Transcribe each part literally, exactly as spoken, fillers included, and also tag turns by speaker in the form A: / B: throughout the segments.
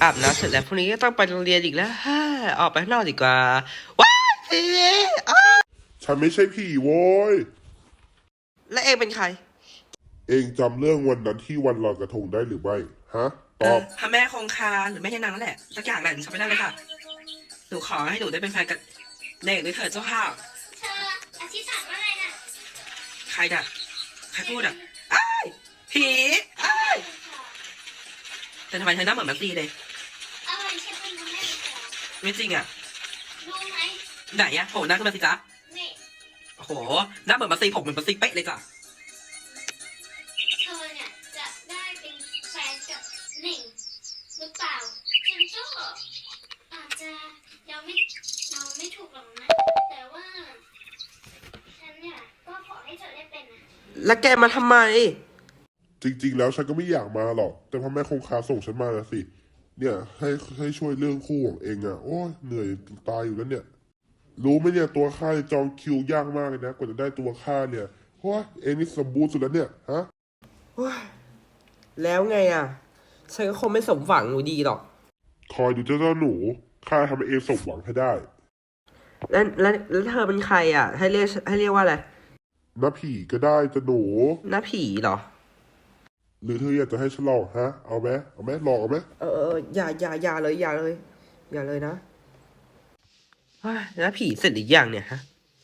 A: อาบน้ำเสร็จแล้วพรุ่งนี้ก็ต้องไปโรงเรียนอีกแล้วฮ่าออกไปข้างนอกดีกว่าว้ายผีอ้า
B: ฉันไม่ใช่ผีโว้ย
A: และเองเป็นใคร
B: เองจำเรื่องวันนั้นที่วันลอยกระทงได้หรือไม่ฮะตอบ
A: พระแม่คงคาหรือแม่ยานางนั่นแหละสักอย่างแหละหนูจำไม่ได้เลยค่ะหนูขอให้หนูได้เป็นแฟนกับเด็กด้วยเถิดเจ้าค่ะ
C: เธออธิษฐานว่าอะไรน่ะ
A: ใครน่ะใครพูดอ่ะอ้ายผีอ้ายแต่ทำไมเธอหน้าเหมือนมัตตีเลย
C: อะไรใช่เป็นพระแม่เหรอ
A: ไม่จริงอ่ะ
C: รู้ไหม
A: ไหนอ่ะโผล่หน้าขึ้นมาสิจ๊ะ
C: นี่
A: โอ้โหหน้าเหมือนมัตตีผมเหมือนมัตตีเป๊ะเลยจ้ะ
C: เธอเนี่ยจะได้เป็นแฟนกับหนิงหรือเปล่าฉันก็อาจจะยังไม่เราไม่ถูกหรอกนะแต่ว่าฉันเนี่ยก็ขอให้เธอได้เป็นนะ
A: แล้วแกมาทำไม
B: จริงๆแล้วฉันก็ไม่อยากมาหรอกแต่พ่อแม่คงคาส่งฉันมาแล้วสิเนี่ยให้ให้ช่วยเรื่องคู่ของเองอ่ะโอ้ยเหนื่อยตายอยู่แล้วเนี่ยรู้ไหมเนี่ยตัวข้าจองคิวยากมากเลยนะกว่าจะได้ตัวข้าเนี่ยโอ้ยเองนี่สมบูรณ์สุดแล้วเนี่ยฮะ
A: แล้วไงอ่ะฉันก็คงไม่สมหวังหนูดีหรอก
B: คอยดูเจ้าเจ้าหนูข้าทำให้เองสมหวังให้ได้
A: แล้วแล้วแล้วเธอเป็นใครอ่ะให้เรียกให้เรียกว่าอะไร
B: น้าผีก็ได้จะหนู
A: น้าผีเหรอ
B: หรือเธออยากจะให้ฉันลองฮะเอาไหมเอาไหมลองเอาไหม
A: เออเอออย่าอย่าอย่าเลยอย่าเลยอย่าเลยนะน้าผีเสร็จหรือยังเนี่ยฮะ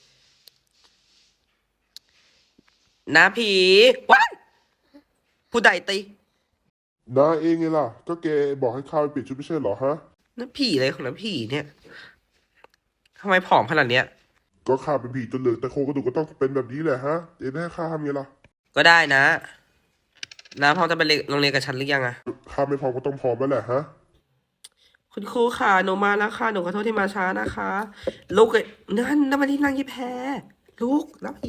A: น้าผีว้ายผู้ใดตี
B: น้าเองไงล่ะก็แกบอกให้ข้าไปเปลี่ยนชุดไม่ใช่เหรอฮะ
A: น้าผีอะไรของน้าผีเนี่ยทำไมผอมขนาดเนี้ย
B: ก็ข้าเป็นผีตัวเหลืองแต่โครงกระดูกก็ต้องเป็นแบบนี้แหละฮะเอ็นให้ข้าทำไงล่ะ
A: ก็ได้นะน้าพร้อมจะไปโรงเรียนกับฉันหรือยังอะ
B: ข้าไม่พร้อมก็ต้องพร้อมแล้วแหละฮะ
A: คุณครูค่ะหนูมาแล้วค่ะหนูขอโทษที่มาช้านะคะลูกเลยนั่นนั่นมาที่นั่งยี่แพรลูกน้าผี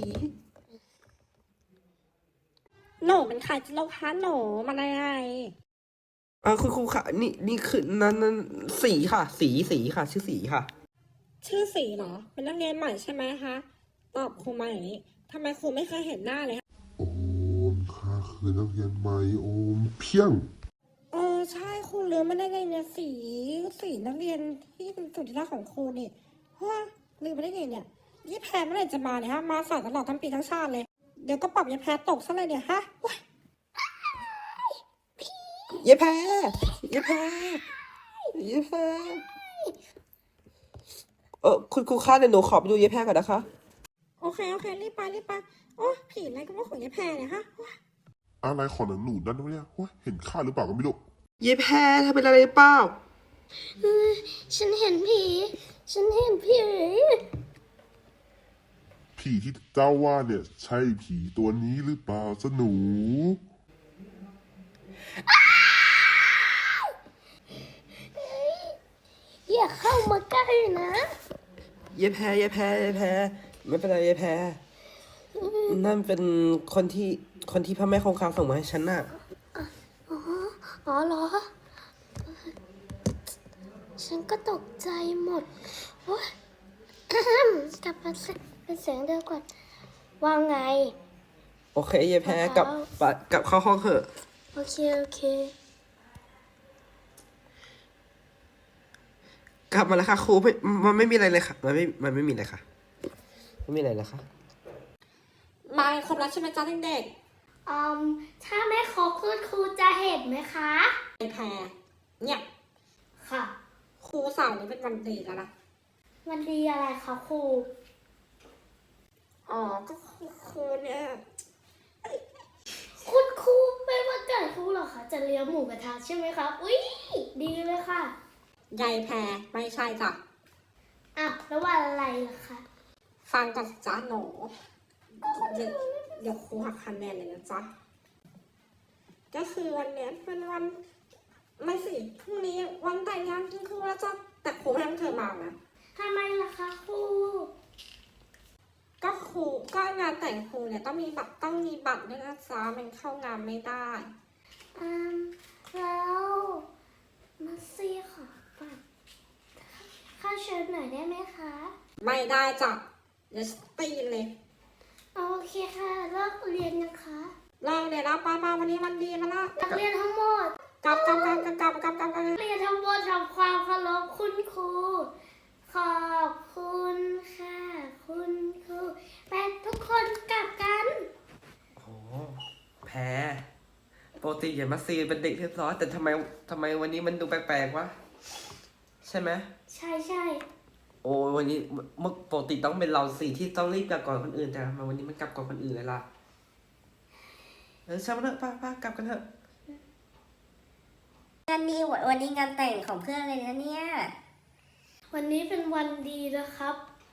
D: หนูเป็นใครจะเล่าคะหนูมันอะไร
A: เออคุณครูค่ะนี่นี่คือนั่นนั่นสีค่ะ สีสีค่ะ ชื่อสีค่ะ
D: ชื่อสีเหรอเป็นนักเรียนใหม่ใช่ไหมคะตอบครูมาอย่างนี้ทำไมครูไม่เคยเห็นหน้าเลย
B: โอ้ข้าคือนักเรียนใหม่โอมเพียง
D: เออใช่ครูลืมไม่ได้ไงเนี่ยสีสีนักเรียนที่เป็นสุดที่รักของครูนี่ว้าลืมไม่ได้ไงเนี่ยยี่แพรเมื่อไหร่จะมาเนี่ยฮะมาสายตลอดทั้งปีทั้งชาติเลยเดี๋ยวก็ปรับยี่แพรตกซะเลยเนี่ยฮะ
A: เย้แพรเย้แพรเย้แพรเออคุณครูคะเดี๋ยวหนูขอไปดูเย้แพรก่อนนะคะ
D: โอเคโอเครีบไปรีบไปโอ้ผีอะไรก็ว่าของยี่แพรเนี่ยฮะ
B: อะไรของหนังหนูนั่นวะเนี่ยเห็นข้าหรือเปล่าก็ไม่รู้
A: เย้แพรเธอเป็นอะไรเปล่า
C: ฉันเห็นผีฉันเห็นผี
B: ผีที่เจ้าว่าเนี่ยใช่ผีตัวนี้หรือเปล่าจ๊ะหนู
C: อย่าเข้ามาใกล้นะ
A: เย้แพรเย้แพรเย้แพรไม่เป็นไรเย้แพรนั่นเป็นคนที่คนที่พระแม่คงคาส่งมาให้ฉันน่ะ
C: อ๋ออ๋อเหรอฉันก็ตกใจหมดโอ๊ยกลับมาเป็นเสียงเดียวก่อนว่าไง
A: โอเคเย้แพรกลับกลับเข้าห้องเถอะ
C: โอเคโอเค
A: กลับมาแล้วค่ะครูไม่มันไม่มีอะไรเลยค่ะมันไม่มันไม่มีอะไรค่ะไม่มีอะไรเลยค่ะ
D: มาครบแล้วใช่ไหมจ๊ะเด็ก
C: ๆอืมถ้าไม่ครบคุณครูจะเห็นไหมคะ
D: ไอ้แพรเนี่ย
C: ค่ะ
D: ครูสาวนี้เป็นวันดีแล้วนะ
C: วันดีอะไรคะครู
D: อ๋อก็ครูเนี่ย
C: คุณครูไม่ว่าเกิดครูหรอคะจะเลี้ยงหมูกระทะใช่ไหมคะอุ้ยดีเลยค่ะ
D: ยายแพรไม่ใช่จ้ะ
C: อ่ะแล้ววันอะไรล่ะคะ
D: ฟังก่อนจ้ะหนูเดี๋ยวเดี๋ยวครูหักคะแนนเลยนะจ๊ะก็คือวันนี้เป็นวันไม่สิพรุ่งนี้วันแต่งงานคุณครูแล้วจ้ะแต่ครูให้เธอมานะ
C: ทำไมล่ะคะครู
D: ก็ครูก็งานแต่งครูเนี่ยต้องมีบัตรต้องมีบัตรด้วยนะจ๊ะมันเข้างานไม่ได้
C: อืมแล้วมาซี่ขอบัตรค่าเชิญหน่อยได้ไหมคะ
D: ไม่ได้จ้ะเดี๋ยวตีเลย
C: โอเคค่ะเลิกเรียนนะคะ
D: เลิกเรียนแล้วป้าป้าวันนี้วันดีแล้วนะ
C: นักเรียนทั้งหมด
D: กลับกลับกลับกลับกลับกลับกลับกลับ
C: เรียนทำบททำความเคารพคุณครู ขอบคุณค่ะ คุณครูไปทุกคนกลับกัน
A: โอ้แพ้ปกติอย่ามาซีเป็นเด็กเรียบร้อยแต่ทำไมทำไมวันนี้มันดูแปลกๆวะใช่ไหม
C: ใช่ใช่
A: โอ้วันนี้เมื่อปกติต้องเป็นเราสี่ที่ต้องรีบกลับก่อนคนอื่นแต่ทำไมาวันนี้มันกลับก่อนคนอื่นเลยล่ะเออช่างมันเถอะป้าป้ากลับกันเถอะ
E: งานนี้วันนี้งานแต่งของเพื่อนเลยนะเนี่ย
C: วันนี้เป็นวันดีนะครับ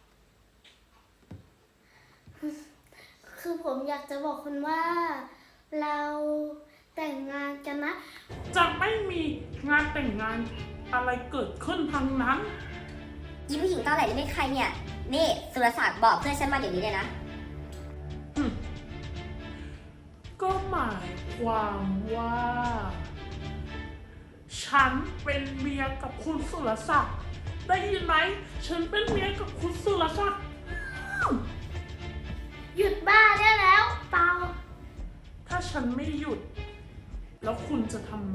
C: คือผมอยากจะบอกคุณว่า เราแต่งงานกันนะ
F: จะไม่มีงานแต่งงานอะไรเกิดขึ้นทั้งนั้น
E: ยี่ผู้หญิงตอนไหนนี่ไม่ใครเนี่ย นี่สุรศักดิ์บอกเพื่อนฉันมาเดี๋ยวนี้เลยนะ
F: ก็หมายความว่า ฉันเป็นเมียกับคุณสุรศักดิ์ได้ยินไหม ฉันเป็นเมียกับคุณสุรศักดิ์
C: หยุดบ้าได้แล้วเปล่า
F: ถ้าฉันไม่หยุด แล้วคุณจะทำไง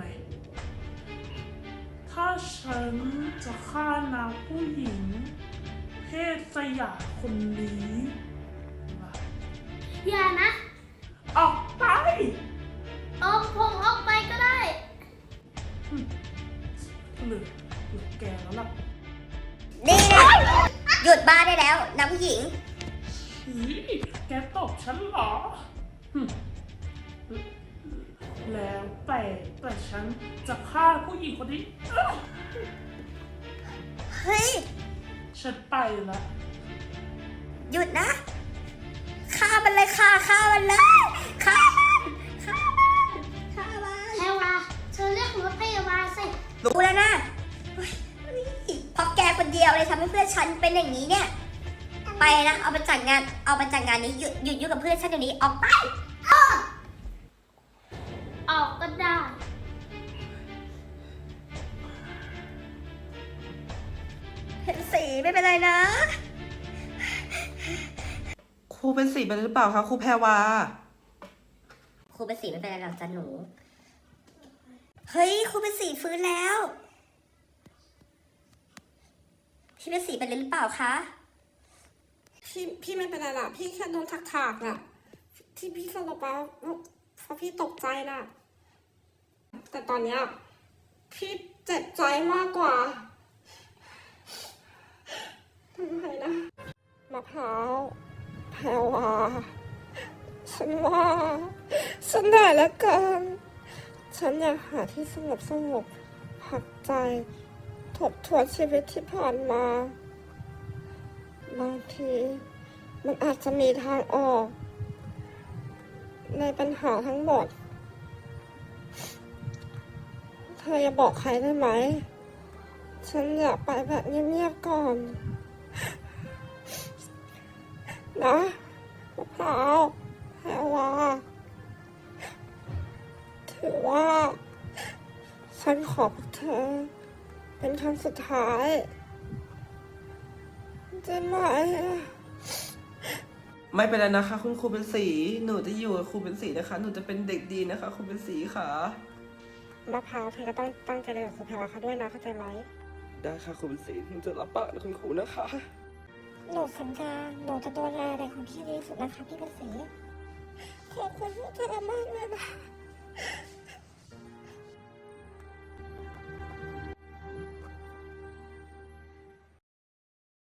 F: ถ้าฉันจะฆ่านางผู้หญิง เพศสยามคนนี้ล่ะ
C: อย่านะ
F: ออกไป
C: ออกผมออกไปก็ได้
F: เหลือเหลือแกแล้วล่ะ
E: นี่นะหยุดบ้าได้แล้วนางผู้หญิง
F: ฉีแกตบฉันเหรอหึแล้วแต่แต่ฉันจะฆ่าผู้หญิงคนนี้เอ้อ
E: เฮ้ย
F: ฉันไปละ
E: หยุดนะ ฆ่ามันเลยฆ่าฆ่ามันเลยฆ่ามันฆ่ามันฆ่ามัน
C: แพรวาเธอเรียกรถพยาบาลสิ
E: รู้แล้วนะเฮ้ยเพราะแกคนเดียวเลยทำให้เพื่อนฉันเป็นอย่างนี้เนี่ย ไปนะ เอาไปจัดงาน เอาไปจัดงานนี้หยุดหยุดยุ่งกับเพื่อนฉันเดี๋ยวนี้ ออกไป
C: ออกก็ได้
E: เห็นสีไม่เป็นไรนะ
A: ครูเป็นสีไปหรือเปล่าคะครูแพรวา
E: ครูเป็นสีไม่เป็นไรหรอกจ้ะหนู เฮ้ยครูเป็นสีฟื้นแล้ว พี่เป็นสีเป็นหรือเปล่าคะ
D: พี่พี่ไม่เป็นไรล่ะ พี่แค่โดนถักถากๆน่ะ ที่พี่สลบไปเพราะพี่ตกใจน่ะ แต่ตอนเนี้ยพี่เจ็บใจมากกว่าทำไมนะมะพร้าวแพรวาฉันว่า ฉันเหนื่อยแล้วกันฉันอยากหาที่สงบสงบพักใจ ทบทวนชีวิตที่ผ่านมา บางทีมันอาจจะมีทางออก ในปัญหาทั้งหมด เธออย่าบอกใครได้ไหม ฉันอยากไปแบบเงียบๆก่อน นะมะพร้าวแพรวาถือว่า ฉันขอพวกเธอ เป็นครั้งสุดท้ายได้ไหม
A: ไม่เป็นไรนะคะคุณครูเป็นสีหนูจะอยู่กับครูเป็นสีนะคะ หนูจะเป็นเด็กดีนะคะครูเป็นสีค่ะ
D: มะพร้าวเธอก็ต้องตั้งใจเรียนกับครูแพรวาเขาด้วยนะเข้าใจไหม
A: ได้ค่ะครูเป็นสีหนูจะรับปากนะคุณครูนะคะ
D: หนูสัญญาหนูจะดูแลเด็กของพี่ดีที่สุดนะคะพี่เป็นสีขอบคุณพวกเธอมากเลยนะ